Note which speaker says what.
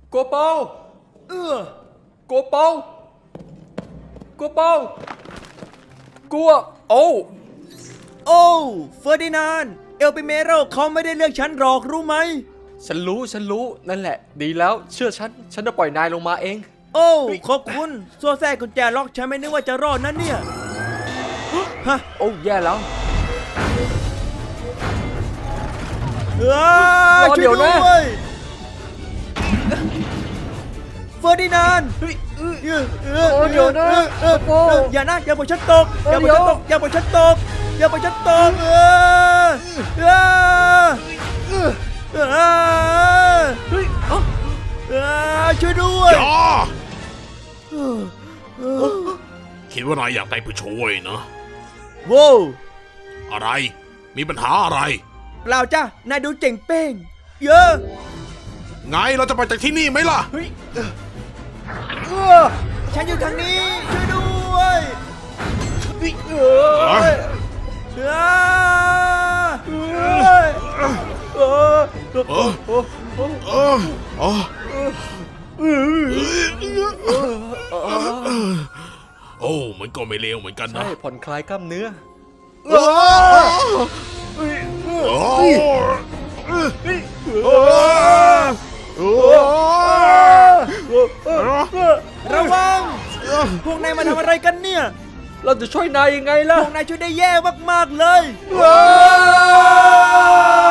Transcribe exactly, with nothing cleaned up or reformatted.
Speaker 1: โกโปเออโกโปโกโปกลัวโอ้
Speaker 2: โอ้เฟอร์ดินานด์เอลปิเมโรเขาไม่ได้เลือกฉันหรอกรู้ไหม
Speaker 1: ฉันรู้ฉันรู้นั่นแหละดีแล้วเชื่อฉันฉันจะปล่อยนายลงมาเอง
Speaker 2: โอ้ขอบคุณโซ่แท้กุญแจล็อกฉันไม่นึกว่าจะรอดนั่นเนี่ยฮะ
Speaker 1: โอ้แย่แล้ว
Speaker 2: รอเดี๋ยวนะเฟอร์ดินานด์
Speaker 1: เดี๋ยวนะ
Speaker 2: อย่านะอย่าปล่อยฉันตกอย่าปล่อยฉันตกอย่าปล่อยฉันตกอย่าปล่อยฉันตกช่วยด้วย
Speaker 3: คิดว่านายอยากได้ผู้ช่วยนะ
Speaker 2: โว้
Speaker 3: อะไรมีปัญหาอะไร
Speaker 2: เปล่าจ้ะนายดูเจ๋งเป้งเยอะ
Speaker 3: ไงเราจะไปจากที่นี่ไหมล่ะ
Speaker 2: ฉันอยู่ทางนี้ช่วยด้วยเอ
Speaker 3: โอ้มันก็ไม่เลวเหมือนกันนะ
Speaker 1: ใช่ผ่อนคลายกล้ามเนื้อ
Speaker 2: ระวังพวกนายมาทำอะไรกันเนี่ย
Speaker 1: เราจะช่วยนายยังไงล่ะ
Speaker 2: พวกนายช่วยได้แย่มากๆเลย
Speaker 1: ว้า